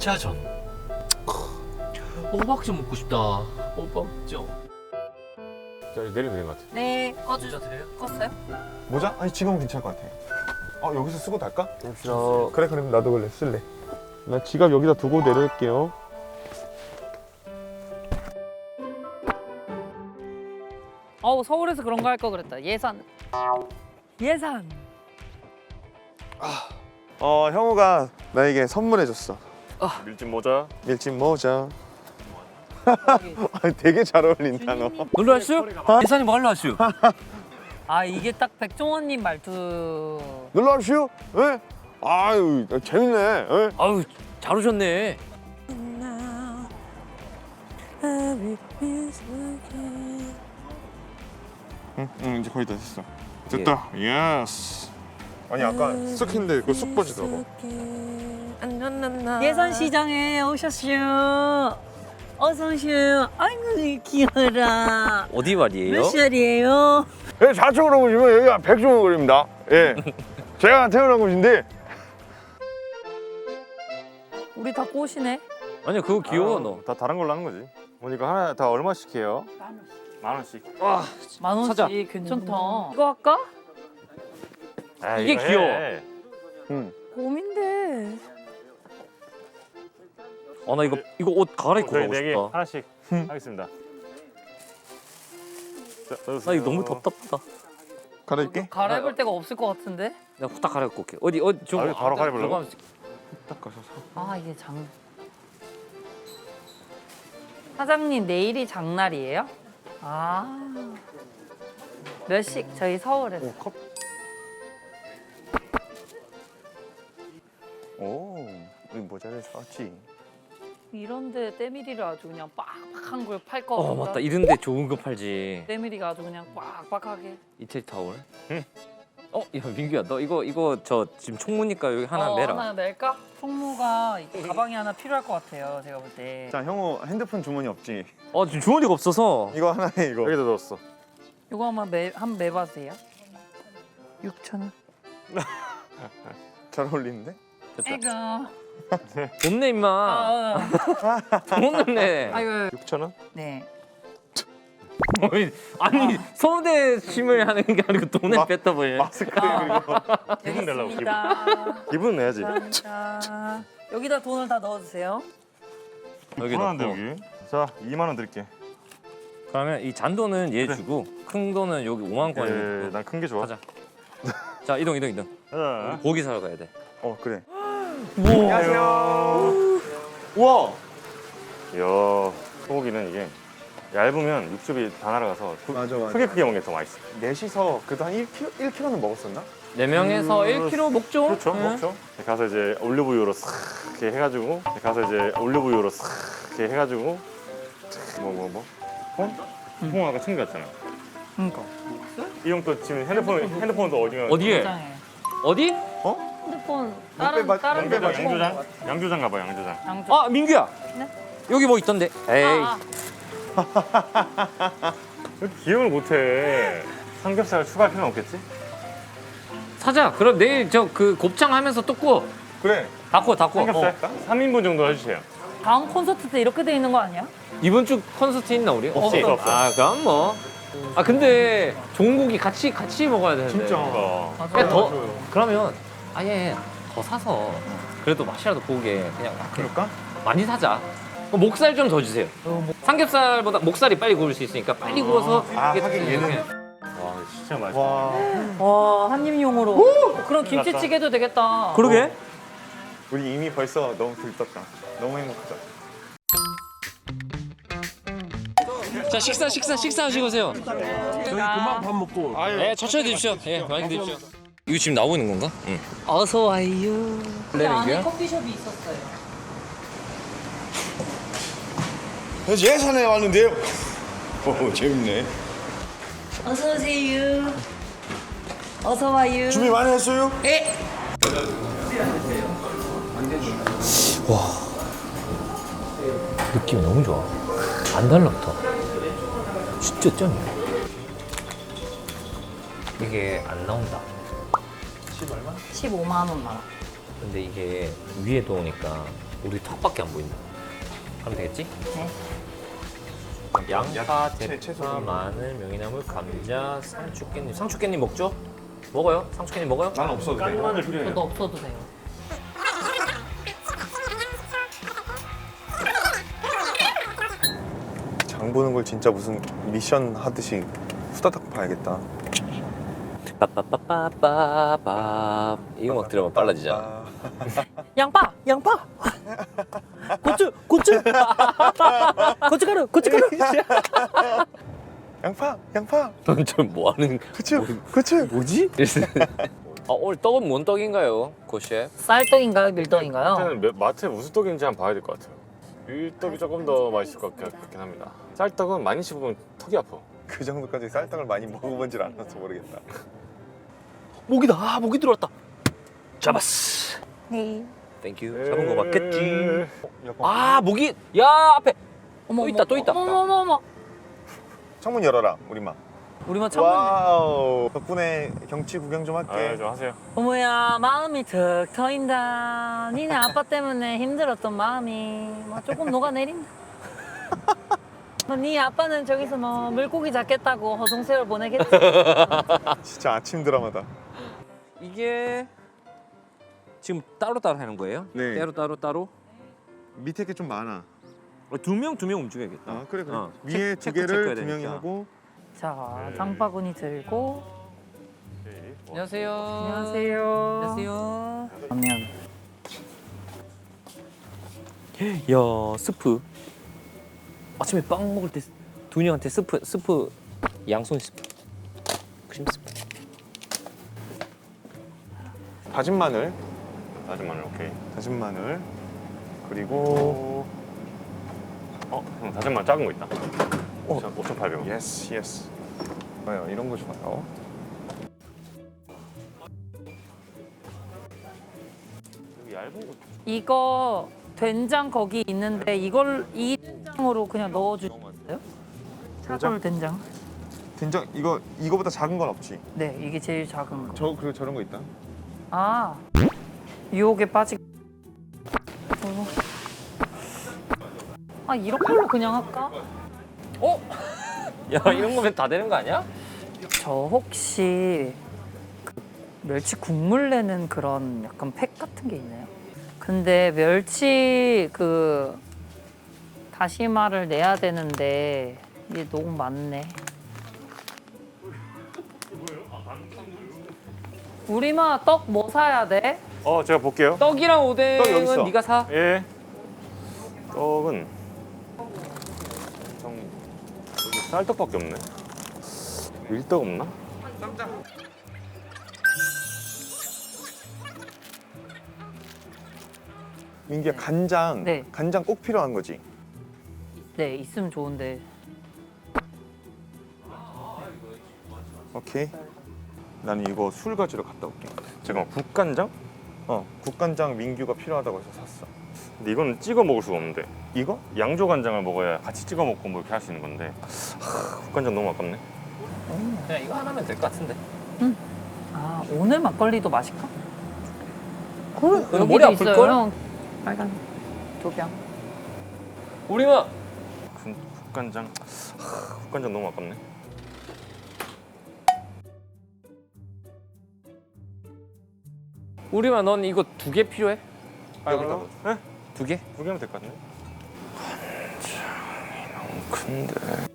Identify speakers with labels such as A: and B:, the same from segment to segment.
A: 감자전. 호박전 먹고 싶다. 호박전.
B: 자, 내리면 되는 것 같아.
C: 네,
A: 모자 드려요?
C: 껐어요?
D: 모자? 아니 지금은 괜찮을 것 같아. 여기서 쓰고 갈까?
B: 저
D: 그래 그럼 나도 원래 쓸래. 나 지갑 여기다 두고 내릴게요.
C: 서울에서 그런 거 할 거 그랬다. 예산. 예산.
D: 형우가 나에게 선물해줬어.
B: 밀짚 모자.
D: 밀짚 모자. 되게 잘 어울린다 너.
A: 놀러 왔슈? 예산이 뭐 하러 왔슈?
C: 이게 딱 백종원님 말투.
D: 놀러 왔슈? 예? 아유 재밌네. 예?
A: 아유, 잘 오셨네.
D: 응 이제 거의 다 됐어. 됐다. 예스. 아니 아까 쓱 했는데 그거 쑥 빠지더라고.
C: 예산 시장에 오셨슈. 어서 오슈. 아이고 귀여라.
A: 어디 말이에요?
C: 몇 살이에요?
D: 예, 좌측으로 보시면 여기가 백종원거리입니다. 예. 제가 태어난 곳인데
C: 우리 다 꼬시네.
A: 아니야, 그거 귀여워 너.
B: 다 다른 걸로 하는 거지. 보니까 하나 다 얼마씩 해요? 만 원씩.
C: 만 원씩
A: 사자.
C: 괜찮다. 이거 할까?
B: 아,
A: 이게
B: 이거 해.
A: 귀여워.
C: 고민돼.
A: 나 이거 옷 갈아입고
B: 저희
A: 가고
B: 네 개
A: 싶다.
B: 하나씩 하겠습니다. 자,
A: 나 이거 너무 답답하다.
D: 갈아입게.
C: 갈아입을 데가 없을 것 같은데?
A: 내가 후딱 갈아입고 올게. 어디 좀.
B: 여기 바로 갈아입으려고?
D: 딱 가셔서.
C: 이게 사장님 내일이 장날이에요? 몇 시? 저희 서울에서.
D: 오, 이 모자를 사왔지.
C: 이런데 때밀이를 아주 그냥 빡빡한 걸 팔 거 같다.
A: 맞다. 이런데 좋은 거 팔지.
C: 때밀이가 아주 그냥 빡빡하게.
A: 이태리 타올. 야 민규야, 너 이거 저 지금 총무니까 여기 하나 매라.
C: 하나 낼까? 총무가 가방이 하나 필요할 것 같아요. 제가 볼 때.
D: 자, 형우 핸드폰 주머니 없지?
A: 지금 주머니가 없어서.
D: 이거 하나에 이거.
B: 여기다 넣었어.
C: 이거 한번 매봐세요. 6,000원.
D: 잘 어울리는데?
C: 아이고.
A: 돈 내 임마. 돈 내.
C: 아이고.
B: 6,000원?
C: 네.
A: 아니 서울대심을 하는 게 아니고 돈을 뺐다버려.
D: 마스크 그리고.
B: 기분 내려고, 기분.
C: 여기다.
B: 기분 내야지.
C: 감사합니다. 여기다 돈을 다 넣어주세요.
A: 여기
B: 불안한데
A: 넣고.
B: 여기. 자, 2만 원 드릴게.
A: 그러면 이 잔돈은 얘
B: 그래.
A: 주고 큰 돈은 여기 5만 원까지.
B: 예, 난 큰 게 좋아.
A: 가자. 자 이동.
B: 가자.
A: 고기 사러 가야 돼.
D: 그래.
B: 안녕하세요.
D: 우와.
B: 이야, 소고기는 이게 얇으면 육즙이 다 날아가서
D: 맞아.
B: 크게 먹는 게 더 맛있어.
D: 넷이서 그래도 한 1kg는 먹었었나?
A: 4명에서 1kg 먹죠?
B: 그렇죠,
A: 응.
B: 먹죠. 가서 이제 올리브유로 싹 이렇게 해가지고 콩 아까 챙겨갔잖아.
C: 그러니까.
B: 이 형 또 지금 핸드폰도 어디가?
A: 어디에?
C: 굉장해.
A: 어디?
C: 핸드폰
D: 빼봐,
C: 다른
D: 빼봐,
C: 데로
B: 양조장 가봐, 양조장.
C: 양조.
A: 민규야.
C: 네?
A: 여기 뭐 있던데? 에이.
B: 왜 이렇게 기억을 못해? 삼겹살 추가할 필요는 없겠지?
A: 사자. 그럼 내일 저 그 곱창 하면서 또 구워.
D: 그래.
A: 다 구워.
B: 삼겹살 3인분 정도 해주세요.
C: 다음 콘서트 때 이렇게 돼 있는 거 아니야?
A: 이번 주 콘서트 있나 우리?
B: 없어.
A: 그럼 뭐. 근데 좋은 고기 같이 먹어야 되는데.
D: 진짜.
C: 맞아.
A: 그냥 더 그러면 아예 더 사서 그래도 맛이라도 보게 그냥 이렇게
D: 그럴까?
A: 많이 사자. 목살 좀 더 주세요. 삼겹살보다 목살이 빨리 구울 수 있으니까 빨리 구워서
D: 하긴
A: 이렇게
D: 얘는.
B: 와, 진짜 맛있다.
C: 와 한입용으로. 그럼 김치찌개도 되겠다.
A: 그러게.
D: 우리 이미 벌써 너무 들떴다. 너무 행복하다.
A: 자 식사하시고 오세요.
E: 저희 금방 밥 먹고.
A: 네 천천히 드십시오. 예 많이 드십시오. 이거 지금 나오고 있는 건가? 응.
C: 어서 와요.
A: 원래
C: 안에
A: 민규야?
C: 커피숍이 있었어요.
D: 예산에 왔는데요. 오 재밌네.
C: 어서 오세요. 어서 와요.
D: 준비 많이 했어요?
C: 예.
A: 느낌이 너무 좋아. 안 달라붙어. 진짜 짱이야. 이게 안 나온다.
C: 15만 원만.
A: 근데 이게 위에 도우니까 우리 턱밖에 안 보인다. 하면 되겠지?
C: 네.
A: 양파,
D: 채소
A: 대파,
D: 종류.
A: 마늘, 명이나물, 감자, 상추,깻잎. 상추,깻잎 먹죠? 먹어요? 상추,깻잎 먹어요?
D: 난 없어도 돼.
B: 깐마늘 필요해요.
C: 저도 없어도 돼요.
D: 장 보는 걸 진짜 무슨 미션 하듯이 후다닥 봐야겠다.
A: 빠빠빠빠빠빠. 이 음악 들으면 빨라지잖아.
C: 양파, 양파. 고추, 고추. 고춧가루, 고춧가루.
D: 양파, 양파,
A: 좀 뭐하는
D: 고추, 고추.
A: 뭐지? 오늘 떡은 뭔 떡인가요, 고 셰프?
C: 쌀떡인가요, 밀떡인가요?
B: 일단은 마트에 무슨 떡인지 한번 봐야 될 것 같아요. 밀떡이 조금 더 맛있을 것 같긴 합니다. 쌀떡은 많이 씹으면 턱이 아파.
D: 그 정도까지 쌀떡을 많이 먹어본질 않아서 모르겠다.
A: 모기다. 아, 모기 들어왔다. 잡았어.
C: 네.
A: 땡큐. 잡은 거 맞겠지?
D: 약간
A: 아, 모기. 야, 앞에. 또 있다, 또 있다.
C: 어머.
D: 창문 열어라, 우리마.
C: 우리만 창문.
D: 와우. 덕분에 경치 구경 좀 할게.
B: 좀 하세요.
C: 어머야, 마음이 턱 터인다. 니네 아빠 때문에 힘들었던 마음이 뭐 조금 녹아내린다. 네 아빠는 저기서 뭐 물고기 잡겠다고 허송세월 보내겠지.
D: 진짜 아침 드라마다.
A: 이게 지금 따로따로 하는 거예요?
D: 네.
A: 따로?
D: 밑에 게 좀 많아.
A: 두 명 움직여야겠다.
D: 아 그래 그래.
A: 어.
D: 위에 두
A: 체크해야
D: 개를 두
A: 되니까.
D: 명이 하고.
C: 자, 장바구니 들고.
A: 안녕하세요.
C: 안녕하세요.
A: 안녕하세요.
C: 라면.
A: 야, 스프. 아침에 빵 먹을 때 두녀한테 스프 양손 스프. 크림 스프.
D: 다진 마늘,
B: 다진 마늘 오케이.
D: 다진 마늘. 그리고
B: 형 다진 마늘 작은 거 있다. 5,800원.
D: 예스 예스. 좋아요. 이런 거 좋아요.
B: 얇은 거.
C: 이거 된장 거기 있는데 이걸 이 된장으로 그냥 넣어주세요? 차돌 된장.
D: 된장 이거보다 작은 건 없지.
C: 네, 이게 제일 작은 거.
D: 그리고 저런 거 있다.
C: 아, 유혹에 빠지. 아, 이런 걸로 그냥 할까?
A: 야, 이런 거면 다 되는 거 아니야?
C: 저 혹시 그 멸치 국물 내는 그런 약간 팩 같은 게 있나요? 근데 멸치 그 다시마를 내야 되는데 이게 너무 많네. 우리마 떡 뭐 사야 돼?
B: 제가 볼게요.
A: 떡이랑
D: 떡 여기 있어.
A: 오뎅은 네가 사.
B: 예. 떡은 여기 쌀떡밖에 없네. 밀떡 없나?
D: 민기야 간장.
C: 네.
D: 간장 꼭 필요한 거지.
C: 네, 있으면 좋은데.
D: 오케이. 나는 이거 술 가지러 갔다 올게.
B: 잠깐만 국간장?
D: 국간장 민규가 필요하다고 해서 샀어.
B: 근데 이거는 찍어 먹을 수가 없는데
D: 이거?
B: 양조 간장을 먹어야 같이 찍어 먹고 뭐 이렇게 할 수 있는 건데 국간장 너무 아깝네.
A: 그냥 이거 하나면 될 것 같은데.
C: 아, 오늘 막걸리도 마실까?
A: 이거 머리 아플 걸?
C: 형. 빨간 조병.
A: 우리만
B: 국간장 국간장 너무 아깝네.
A: 우리만 넌 이거 2개 필요해?
D: 여기다.
B: 네?
A: 2개?
B: 2개면 될 것 같네. 간장이 너무 큰데.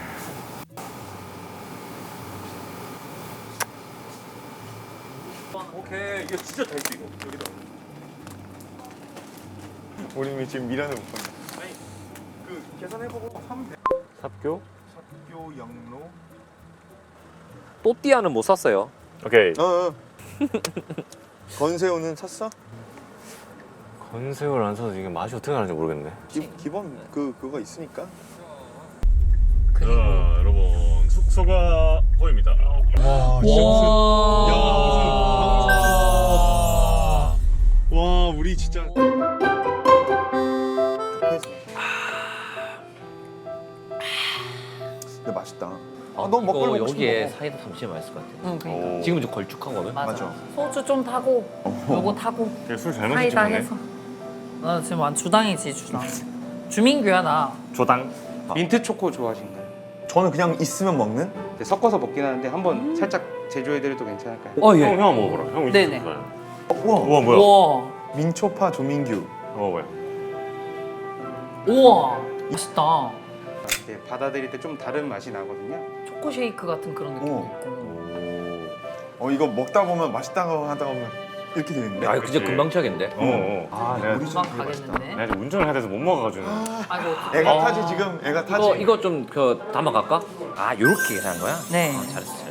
A: 오케이. 이거 진짜 될 수 이거. 여기다.
D: 우리 지금 미련을 못 본다. 그 계산해보고 사면 돼.
B: 삽교?
D: 삽교 양로.
A: 또띠아는 못 샀어요.
B: 오케이.
D: 건새우는 샀어?
B: 건새우를 안 사서 이게 맛이 어떻게 나는지 모르겠네.
D: 기본 그거 있으니까.
B: 자 여러분 숙소가 보입니다.
D: 와 와 우리 진짜. 근데 맛있다. 너무 먹고
A: 이거
D: 먹고
A: 여기에
D: 싶어.
A: 사이다 담치면 맛있을 것 같아.
C: 응, 그러니까.
B: 오.
A: 지금은 좀 걸쭉하거든.
C: 맞아.
D: 맞아.
C: 소주 좀 타고, 요거 타고,
B: 술잘 마시지
C: 사이다
B: 않네.
C: 해서. 나 지금 완 주당이지 주당. 주민규야 나.
A: 조당.
F: 민트 초코 좋아하신가요?
G: 저는 그냥 있으면 먹는?
F: 네, 섞어서 먹긴 하는데 한번 살짝 제조해드려도 괜찮을까요?
B: 형 먹어보라. 형 이거
C: 네네.
B: 좋아요.
G: 우와,
B: 우와 뭐야?
C: 우와.
G: 민초파 조민규.
B: 먹어봐요.
C: 우와. 맛있다.
F: 이렇게 받아들일 때 좀 다른 맛이 나거든요.
C: 초코 쉐이크 같은 그런 느낌도
G: 오.
C: 있고.
G: 이거 먹다 보면 맛있다고 하다 보면 이렇게 되는데.
A: 야, 이거 진짜 금방 취하겠는데?
G: 아,
B: 내가,
G: 우리 좀
C: 금방 가겠는데.
B: 내가 지금 운전을 해야 돼서 못 먹어가지고.
C: 아이고.
G: 애가
A: 어.
G: 타지 지금. 애가 타지.
A: 이거 좀 담아갈까? 아, 요렇게 계산한 거야?
C: 네.
A: 잘했어.